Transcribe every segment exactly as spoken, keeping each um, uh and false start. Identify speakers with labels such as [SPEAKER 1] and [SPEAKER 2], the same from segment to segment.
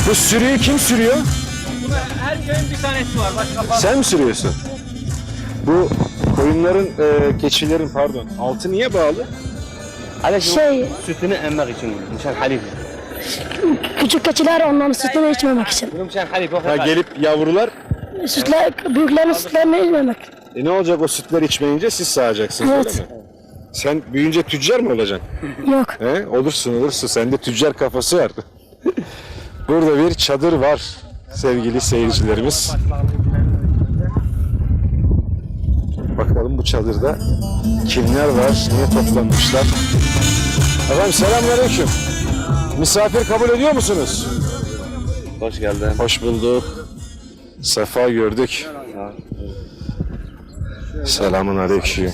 [SPEAKER 1] Bu sürüyü kim sürüyor?
[SPEAKER 2] Buna her köyün bir tanesi var. Başka fazla.
[SPEAKER 1] Sen mi sürüyorsun? Bu koyunların, e, keçilerin pardon, altı niye bağlı?
[SPEAKER 3] Şey,
[SPEAKER 2] Sütünü emmek için. Müşan halif.
[SPEAKER 3] küçük keçiler onların sütünü içmemek için.
[SPEAKER 2] Müşan halif.
[SPEAKER 1] Ha, gelip yavrular,
[SPEAKER 3] Sütler, büyüklerin sütlerini içmemek.
[SPEAKER 1] e ne olacak o sütler içmeyince siz sağacaksınız
[SPEAKER 3] Evet.
[SPEAKER 1] öyle mi? Sen büyüyünce tüccar mı olacaksın?
[SPEAKER 3] Yok.
[SPEAKER 1] He? Olursun olursun, sende tüccar kafası var. Burada bir çadır var sevgili seyircilerimiz. Bakalım bu çadırda kimler var, niye toplanmışlar? Efendim selamünaleyküm. Misafir kabul ediyor musunuz?
[SPEAKER 2] Hoş geldin.
[SPEAKER 1] Hoş bulduk. Sefa gördük. Selamun aleyküm.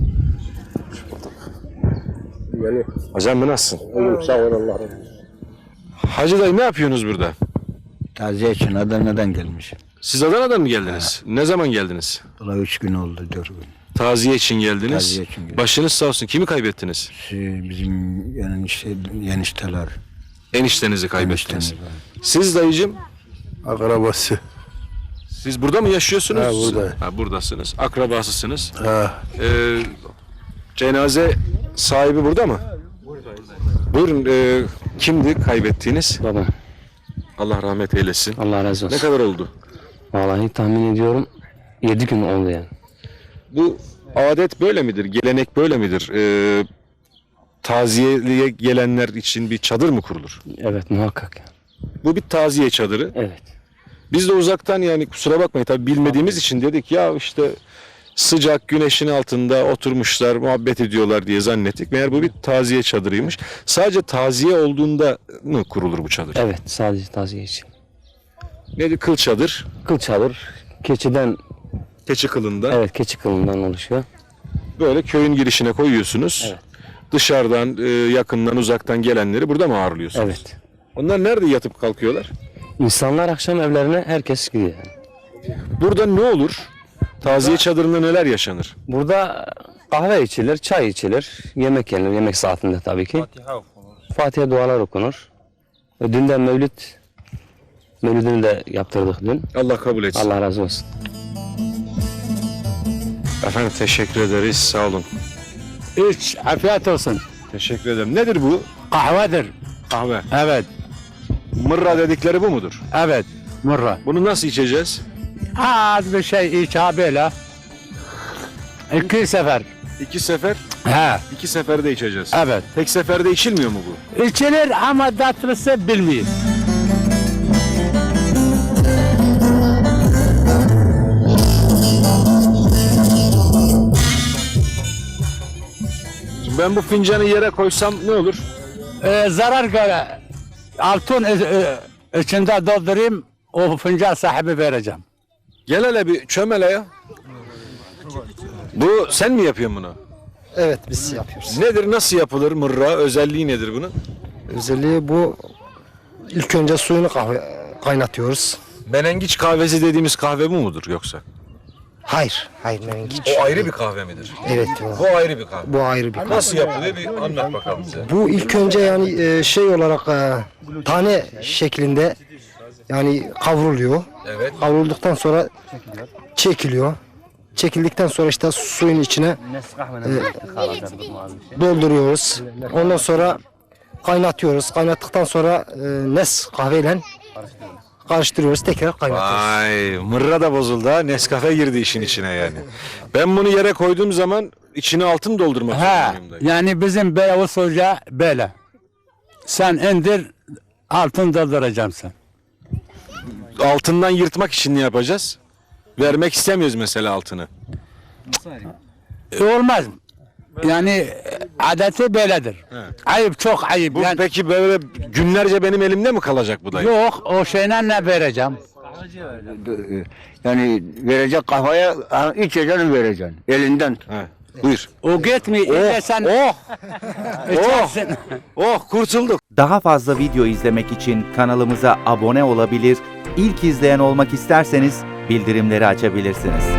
[SPEAKER 1] Hocam bu nasılsın?
[SPEAKER 4] Sağ ol Allah'ım.
[SPEAKER 1] Hacı dayı ne yapıyorsunuz burada?
[SPEAKER 4] Taziye için Adana'dan gelmişim.
[SPEAKER 1] Siz Adana'dan mı geldiniz? Ne zaman geldiniz?
[SPEAKER 4] Valla üç gün oldu, dört gün.
[SPEAKER 1] Taziye için geldiniz.
[SPEAKER 4] Taziye için geldim.
[SPEAKER 1] Başınız sağ olsun. Kimi kaybettiniz?
[SPEAKER 4] Şey, bizim yani işte yenişteler.
[SPEAKER 1] Eniştenizi kaybettiniz.
[SPEAKER 4] Eniştemiz var.
[SPEAKER 1] Siz dayıcım,
[SPEAKER 5] Akrabası.
[SPEAKER 1] siz burada mı yaşıyorsunuz?
[SPEAKER 5] Ha, burada.
[SPEAKER 1] Ha, buradasınız. Akrabasısınız.
[SPEAKER 5] Ha,
[SPEAKER 1] Ee, cenaze sahibi burada mı? Buyurun. E, kimdi kaybettiğiniz?
[SPEAKER 6] Baba,
[SPEAKER 1] Allah rahmet eylesin.
[SPEAKER 6] Allah razı olsun.
[SPEAKER 1] Ne kadar oldu?
[SPEAKER 6] Vallahi tahmin ediyorum yedi gün oldu yani.
[SPEAKER 1] Bu adet böyle midir? Gelenek böyle midir? Ee, taziyeye gelenler için bir çadır mı kurulur?
[SPEAKER 6] Evet, muhakkak.
[SPEAKER 1] Bu bir taziye çadırı.
[SPEAKER 6] Evet.
[SPEAKER 1] Biz de uzaktan, yani kusura bakmayın tabii bilmediğimiz için dedik ya işte sıcak güneşin altında oturmuşlar, muhabbet ediyorlar diye zannettik. Meğer bu bir taziye çadırıymış. Sadece taziye olduğunda mı kurulur bu çadır?
[SPEAKER 6] Evet, sadece taziye için.
[SPEAKER 1] Nedir? Kıl çadır.
[SPEAKER 6] Kıl çadır, keçiden,
[SPEAKER 1] Keçi kılında.
[SPEAKER 6] evet keçi kılından oluşuyor.
[SPEAKER 1] Böyle köyün girişine koyuyorsunuz.
[SPEAKER 6] Evet.
[SPEAKER 1] Dışarıdan, e, yakından, uzaktan gelenleri burada mı ağırlıyorsunuz?
[SPEAKER 6] Evet.
[SPEAKER 1] Onlar nerede yatıp kalkıyorlar?
[SPEAKER 6] İnsanlar akşam evlerine herkes gidiyor yani.
[SPEAKER 1] Burada ne olur? Taziye çadırında neler yaşanır?
[SPEAKER 6] Burada kahve içilir, çay içilir, yemek yenir, yemek saatinde tabii ki. Fatiha dualar okunur. Ve dünden Mevlüt, Mevlüdünü de yaptırdık dün.
[SPEAKER 1] Allah kabul etsin.
[SPEAKER 6] Allah razı olsun.
[SPEAKER 1] Efendim teşekkür ederiz. Sağ olun.
[SPEAKER 4] Üç, afiyet olsun.
[SPEAKER 1] Teşekkür ederim. Nedir bu?
[SPEAKER 4] Kahvedir.
[SPEAKER 1] Kahve.
[SPEAKER 4] Evet,
[SPEAKER 1] Mırra dedikleri bu mudur?
[SPEAKER 4] evet. Murra.
[SPEAKER 1] Bunu nasıl içeceğiz?
[SPEAKER 4] Az bir şey iç ha böyle. İki sefer.
[SPEAKER 1] İki sefer,
[SPEAKER 4] He,
[SPEAKER 1] iki seferde içeceğiz.
[SPEAKER 4] evet.
[SPEAKER 1] Tek seferde içilmiyor mu bu?
[SPEAKER 4] İçilir ama tatlısı bilmiyor.
[SPEAKER 1] Şimdi ben bu fincanı yere koysam ne olur?
[SPEAKER 4] Ee, zarar göre altın e, e, içinde doldurayım, o fincan sahibi vereceğim.
[SPEAKER 1] Gel hele bir çömele ya. Bu sen mi yapıyorsun bunu?
[SPEAKER 7] Evet, biz yapıyoruz.
[SPEAKER 1] Nedir, nasıl yapılır mırra? Özelliği nedir bunun?
[SPEAKER 7] Özelliği bu, ilk önce suyunu kahve, kaynatıyoruz.
[SPEAKER 1] Menengiç kahvesi dediğimiz kahve bu mudur yoksa?
[SPEAKER 7] Hayır, hayır menengiç.
[SPEAKER 1] O ayrı bir kahve midir?
[SPEAKER 7] Evet,
[SPEAKER 1] Bu ayrı bir kahve.
[SPEAKER 7] bu ayrı bir.
[SPEAKER 1] Nasıl yapılıyor bir anlat bakalım bize.
[SPEAKER 7] Bu ilk önce yani e, şey olarak e, tane şeklinde yani kavruluyor.
[SPEAKER 1] Evet.
[SPEAKER 7] Kavrulduktan sonra çekiliyor. Çekildikten sonra işte suyun içine dolduruyoruz. Ondan sonra kaynatıyoruz. Kaynattıktan sonra e, Nes kahveyle karıştırıyoruz. Tekrar kaynatıyoruz.
[SPEAKER 1] Vay, mırra da bozuldu ha. Nescafe girdi işin içine yani. Ben bunu yere koyduğum zaman içine altın doldurmak
[SPEAKER 4] Ha,
[SPEAKER 1] zorundayım dayı.
[SPEAKER 4] yani bizim böyle usulca böyle. Sen indir, altın dolduracağım sen.
[SPEAKER 1] Altından yırtmak için ne yapacağız? Vermek istemiyoruz mesela altını.
[SPEAKER 4] E, olmaz. Yani e, adeti böyledir. Ayıp, çok ayıp.
[SPEAKER 1] Bu
[SPEAKER 4] Yani,
[SPEAKER 1] peki böyle günlerce benim elimde mi kalacak bu dayı?
[SPEAKER 4] yok, o şeyle ne vereceğim?
[SPEAKER 8] Yani verecek kafaya içeceğini vereceksin elinden.
[SPEAKER 1] He, buyur.
[SPEAKER 4] O gitmiyor. Oh, sen
[SPEAKER 1] Oh,
[SPEAKER 4] içersin.
[SPEAKER 1] oh kurtulduk.
[SPEAKER 9] Daha fazla video izlemek için kanalımıza abone olabilir, ilk izleyen olmak isterseniz bildirimleri açabilirsiniz.